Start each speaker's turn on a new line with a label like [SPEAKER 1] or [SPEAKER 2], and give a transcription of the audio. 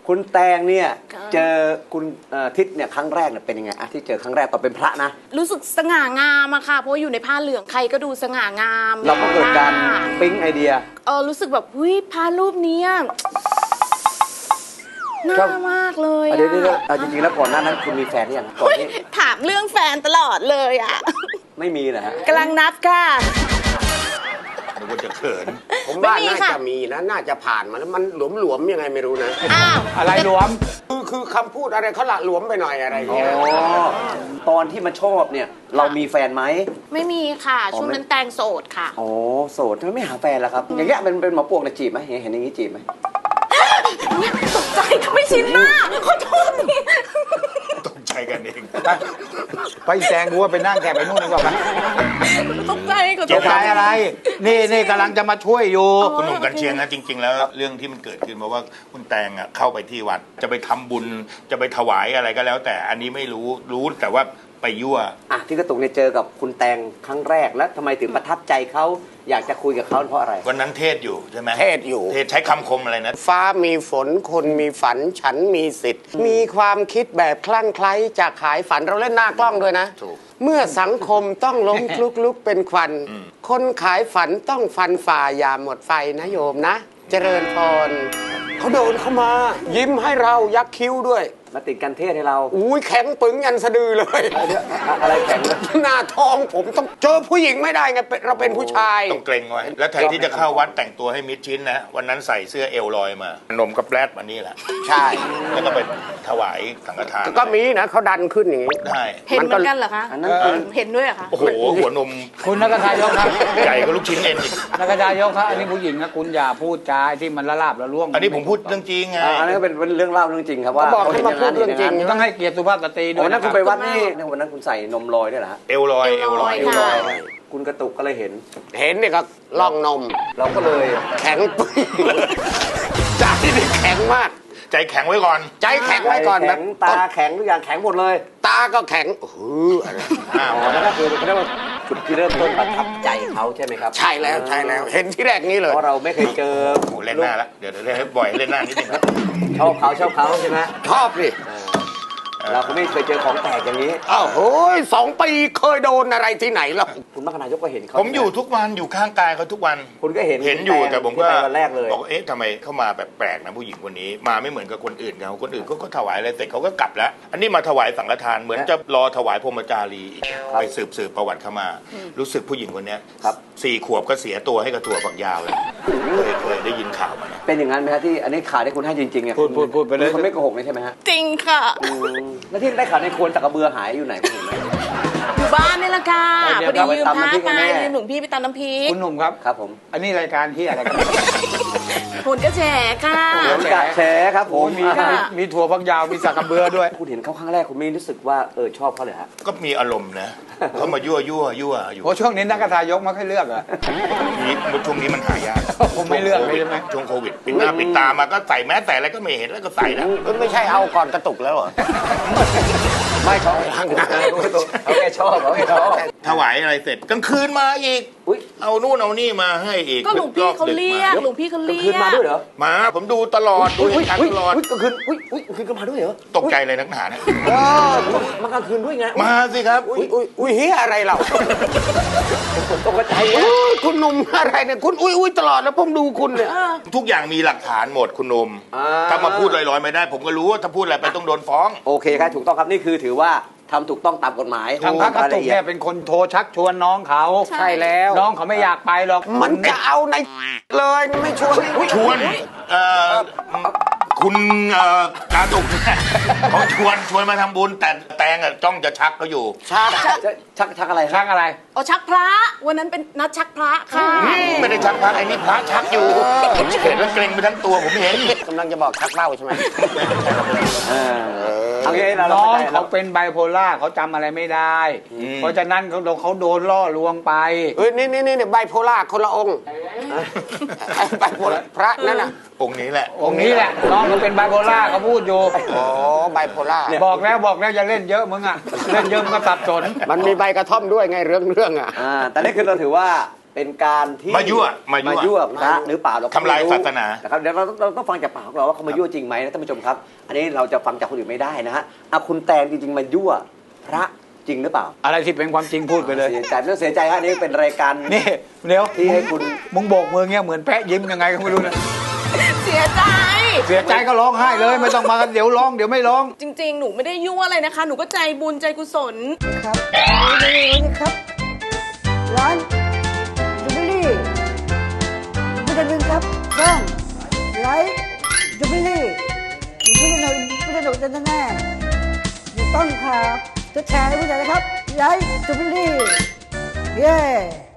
[SPEAKER 1] คุณแตงเนี่ยเจอคุณทิศเนี่ยครั้งแรกเนี่ยเป็นยังไงอะที่เจอครั้งแรกตอนเป็นพระนะ
[SPEAKER 2] รู้สึกสง่างามอะค่ะเพราะว่าอยู่ในผ้าเหลืองใครก็ดูสง่างาม
[SPEAKER 1] เราก็เกิดการปิ๊งไอเดีย
[SPEAKER 2] รู้สึกแบบหุ้ยพระรูปนี้น่ามากเลย
[SPEAKER 1] เดี๋ยวจริงๆแล้วก่อนหน้านั้นคุณมีแฟนหรือยังก่อนที่
[SPEAKER 2] ถามเรื่องแฟนตลอดเลยอะ
[SPEAKER 1] ไม่มีนะฮะ
[SPEAKER 2] กำลังนับค่ะ
[SPEAKER 3] นึกว่าจะเขิน
[SPEAKER 4] ผมว่าน่าจะมีนะน่าจะผ่านมาแล้วมันหลวมๆยังไงไม่รู้นะ
[SPEAKER 2] อ้าว
[SPEAKER 5] อะไรหลวม
[SPEAKER 4] คือคำพูดอะไรเขาละหลวมไปหน่อยอะไรอย่างเงี้ย
[SPEAKER 1] ตอนที่มาชอบเนี่ยเรามีแฟนไหม
[SPEAKER 2] ไม่มีค่ะช่วงนั้นแตงโสดค่ะ
[SPEAKER 1] อ๋อโสดทำไมไม่หาแฟนล่ะครับอย่างเงี้ยเป็นหมอปลวกเนี่ยจีบไหมเห็นอย่างงี้จีบไหม
[SPEAKER 2] ตกใจไม่ชินหน้าขอโทษ
[SPEAKER 3] ตกใจกันเอง
[SPEAKER 5] ไปแซงกูว่าไปนั่งแกไปนู่นดีกว่า
[SPEAKER 2] ตกใจขอโทษ
[SPEAKER 5] ตกใจอะไรนี่กำลังจะมาช่วยอยู่
[SPEAKER 3] คุณหนุ่มกันเชียงนะจริงๆแล้วเรื่องที่มันเกิดขึ้นเพราะว่าคุณแตงเข้าไปที่วัดจะไปทำบุญจะไปถวายอะไรก็แล้วแต่อันนี้ไม่รู้แต่ว่าไปยั่ว
[SPEAKER 1] ที่กระตุกเนี่ยเจอกับคุณแตงครั้งแรกแล้วทำไมถึงประทับใจเขาอยากจะคุยกับเขาเพราะอะไร
[SPEAKER 3] วันนั้นเทศอยู่ใช่ไหม
[SPEAKER 4] เทศอยู่
[SPEAKER 3] เทศใช้คำคมอะไรนะ
[SPEAKER 4] ฟ้ามีฝนคนมีฝันฉันมีสิทธิ์มีความคิดแบบคลั่งไคล้จะขายฝันเราเล่นหน้ากล้องด้วยนะเมื่อสังคมต้องล้มคลุกเป็นควันคนขายฝันต้องฟันฝ่าอย่าหมดไฟนะโยมนะเจริญพรเขาเดินเข้ามายิ้มให้เรายักคิ้วด้วย
[SPEAKER 1] มาติดกันเทศให้เรา
[SPEAKER 4] อุ้ยแข็งปึงยันสะดือเลย
[SPEAKER 1] อะไรแข็ง
[SPEAKER 4] หน้าท้องผมต้องเจอผู้หญิงไม่ได้ไงเราเป็นผู้ชาย
[SPEAKER 3] ต้องเกรงไว้แล้วแทนที่จะเข้าวัดแต่งตัวให้มิดชิดนะวันนั้นใส่เสื้อเอวลอยมานมกับแรดมานี่แหละ
[SPEAKER 4] ใช่
[SPEAKER 3] แล้วก็ไปถวายสังฆทาน
[SPEAKER 4] ก็มีนะเขาดันขึ้นอย่างนี้
[SPEAKER 3] ได้
[SPEAKER 2] เห็นเหมือนกันเหรอคะเห็นด้วยเหรอคะ
[SPEAKER 3] โอ้โหหัวนม
[SPEAKER 5] คุณนักทายกครับ
[SPEAKER 3] ใหญ่ก็ลูกชิ้นเอ็นอีก
[SPEAKER 5] นักทายกครับอันนี้ผู้หญิงนะคุณอย่าพูดจาที่มันละลาบละล่วง
[SPEAKER 3] อันนี้ผมพูดเรื่องจริงไง
[SPEAKER 1] อันนี้ก็เป็นเรื่องเล่าเรื่องจริงครับว่า
[SPEAKER 4] บอกให้มาพูดเรื่องจริง
[SPEAKER 5] ต้องให้เกียรติสุภาพสตรีด้วย
[SPEAKER 1] วันนั้นคุณไปวัดนี่วันนั้นคุณใส่นมลอยด้วยเหรอฮะ
[SPEAKER 3] เอวลอย
[SPEAKER 1] คุณกระตุกก็เลยเห็น
[SPEAKER 4] เนี่ยก็ล่องนม
[SPEAKER 1] เราก็เลย
[SPEAKER 4] แข็งปึ๊งใจนี่แข็งมาก
[SPEAKER 3] ใจแข็งไว้ก่อน
[SPEAKER 4] ใจแข็งไว้ก่อน
[SPEAKER 1] แบบตาแข็งทุกอย่างแข็งหมดเลย
[SPEAKER 4] ตาก็แข็ง
[SPEAKER 1] นั่นก็คือเรียกว่าจุดที่เริ่มต้นประทับใจเขาใช่ไหมครับ
[SPEAKER 4] ใช่แล้วเห็นที่แรกนี้เลย
[SPEAKER 1] เพราะเราไม่เคยเจอ
[SPEAKER 3] เล่นหน้าแล้วเดี๋ยวให้บ่อยเล่นหน้านิดนึงครับ
[SPEAKER 1] ชอบเขาใช่ไหม
[SPEAKER 4] ชอบดิ
[SPEAKER 1] เราก็ไม่เคยเจอของแตกอย่างนี้
[SPEAKER 4] อ้าวโอ้ย2 ปีเคยโดนอะไรที่ไหนหรอ
[SPEAKER 1] คุณมรรคนายกก็เห็นเขา
[SPEAKER 3] ผมอยู่ทุกวันอยู่ข้างกายเขาทุกวัน
[SPEAKER 1] คุณก็เห็น
[SPEAKER 3] อยู่แต่ผมก็
[SPEAKER 1] วันแรกเลย
[SPEAKER 3] บอกทำไมเข้ามาแบบแปลกนะผู้หญิงคนนี้มาไม่เหมือนกับคนอื่นเขาคนอื่นก็ถวายอะไรเสร็จเขาก็กลับแล้วอันนี้มาถวายสังฆทานเหมือนจะรอถวายพรหมจารีไปสืบประวัติเข้ามารู้สึกผู้หญิงคนนี้ครับ4 ขวบก็เสียตัวให้กับถั่วฝักยาวเลยเคยได้ยินข่าวมานะ
[SPEAKER 1] เป็นอย่างนั้นไหมฮะที่อันนี้ข่าวที่คุณให้จริงๆเนี่ย
[SPEAKER 5] พูดไปเลย
[SPEAKER 1] คุณไม่โกหกเลยใช่ไหมฮะ
[SPEAKER 2] จริงค่ะ
[SPEAKER 1] แล้วที่ได้ข่าวในควรตะกระเบือหายอยู่ไหนคุณเห็นไหม
[SPEAKER 2] อยู่บ้านนี่แหละค่ะพอดียืมพระไปยืมหนุ่มพี่ไปตำน้ำพริก
[SPEAKER 5] คุณหนุ่มครับ
[SPEAKER 1] ครับผม
[SPEAKER 5] อันนี้รายการที่อะไรกัน
[SPEAKER 2] ผลกระแสค่ะ
[SPEAKER 1] ผลกระแสครับผม
[SPEAKER 5] มีถั่วฝักยาวมีสักกระเบือด้วย
[SPEAKER 1] คุณเห็นเขาครั้งแรกคุณไม่รู้สึกว่าชอบเขาเลยฮะ
[SPEAKER 3] ก็มีอารมณ์นะเขามายั่วอยู่
[SPEAKER 5] โอ้ช่วงนี้นักทายกไม่ค่อยเลือกอ่ะ
[SPEAKER 3] ช่วงนี้มันหายาก
[SPEAKER 5] ผมไม่เลือกเลยใช่ไหม
[SPEAKER 3] ช่วงโควิดปิดหน้าปิดตามาก็ใส่แมสใส่อะไรก็ไม่เห็นแล้วก็ใส่แล้ว
[SPEAKER 4] ไม่ใช่เอาก่อนกระตุกแล้วเหรอ
[SPEAKER 1] ไม่เขาแค่ชอบ
[SPEAKER 3] ถวายอะไรเสร็จกลางคืนมาอีกเอานู่นเอานี่มาให้อีก
[SPEAKER 2] ก็หลวงพี่เขาเรียกหลวงพี่เขาเรียก
[SPEAKER 1] คืนมาด้วยเหรอ
[SPEAKER 3] มาผมดูตลอดดูการตลอด
[SPEAKER 1] กลางคืนคืนก็มาด้วยเหรอ
[SPEAKER 3] ตกใจเลยนักหนาเนี่ย
[SPEAKER 1] มากลางคืนด้วยไง
[SPEAKER 3] มาสิครับ
[SPEAKER 4] อุ้ยเฮียอะไรเรา
[SPEAKER 1] ตกใจ
[SPEAKER 4] คุณหนุ่มอะไรเนี่ยคุณอุ้ยตลอดแล้วผมดูคุณเนี่ย
[SPEAKER 3] ทุกอย่างมีหลักฐานหมดคุณหนุ่มถ้ามาพูดลอยๆไม่ได้ผมก็รู้ว่าถ้าพูดอะไรไปต้องโดนฟ้อง
[SPEAKER 1] โอเคครับถูกต้องครับนี่คือถือว่าทำถูกต้องตามกฎหมาย
[SPEAKER 5] ทางพระกระตุกเนี่ยเป็นคนโทรชักชวนน้องเขา
[SPEAKER 4] ใช่แล้ว
[SPEAKER 5] น้องเขาไม่อยากไปหรอก
[SPEAKER 4] มันจะเอาในเลยไม่ชวน
[SPEAKER 3] คุณกาตุกเขาชวนมาทำบุญแต่แตงจ้องจะชักเขาอยู่
[SPEAKER 1] ชักอะไร
[SPEAKER 5] ชักอะไร
[SPEAKER 2] ชักพระวันนั้นเป็นนัดชักพระค่ะ
[SPEAKER 3] ไม่ได้ชักพระไอ้นี่พระชักอยู่เห็นแล้วเกรงไปทั้งตัวผมเห็น
[SPEAKER 4] กำลังจะบอกชักเล่าใช่ไหม
[SPEAKER 5] น้องเขาเป็นไบโพล่าเขาจำอะไรไม่ได้เพราะฉะนั้นเขาโดนล่อลวงไป
[SPEAKER 4] นี่ไบโพล่าคนละองค์ไบโพล่าพระนั่นน่ะ
[SPEAKER 3] องค์นี้แหละ
[SPEAKER 5] น้องเขาเป็นไบโพล่าเขาพูดอยู่
[SPEAKER 4] อ๋อไบโพล่า
[SPEAKER 5] บอกแล้วอย่าเล่นเยอะมึงอ่ะเล่นเยอะมันก็สับสน
[SPEAKER 4] มันมีใบกระท่อมด้วยไงเรื่องอ่ะ
[SPEAKER 1] แต่นี่คือเราถือว่าเป็นการที่
[SPEAKER 3] มายั่ว
[SPEAKER 1] พระหรือเปล่าเราก็
[SPEAKER 3] ทำลาย
[SPEAKER 1] ไม่รู้
[SPEAKER 3] ศาสนา
[SPEAKER 1] นะครับเดี๋ยวเราต้องฟังจากปากของเราว่าเขามายั่วจริงไหมนะท่านผู้ชมครับ อันนี้เราจะฟังจากคนอื่นไม่ได้นะฮะเอาคุณแตงจริงๆมายั่วพระจริงหรือเปล่า
[SPEAKER 5] อะไรที่เป็นความจริงพูดไปเลย
[SPEAKER 1] เสียใจไม่ต้องเสียใจฮะนี่เป็นรายการ
[SPEAKER 5] นี่เดี๋ยว
[SPEAKER 1] ที่ให้คุณ
[SPEAKER 5] มึงโบกมือเงี้ยเหมือนแพะยิ้มยังไงก็ไม่รู้นะ
[SPEAKER 2] เสียใจ
[SPEAKER 5] เสียใจก็ร้องไห้เลยไม่ต้องมากันเดี๋ยวร้องเดี๋ยวไม่ร้อง
[SPEAKER 2] จริงๆ หนูไม่ได้ยั่วอะไรนะคะ หนูก็ใจบุญใจกุศล
[SPEAKER 6] ครับนี่ครับ ร้านจูบิลี่ไม่ได้ลืมครับช่องไลฟ์จูบิลี่ไม่ได้หนุนแน่ๆอยู่ต้นครับจะแชร์ให้ผู้ใหญ่นะครับไลฟ์จูบิลี่เย้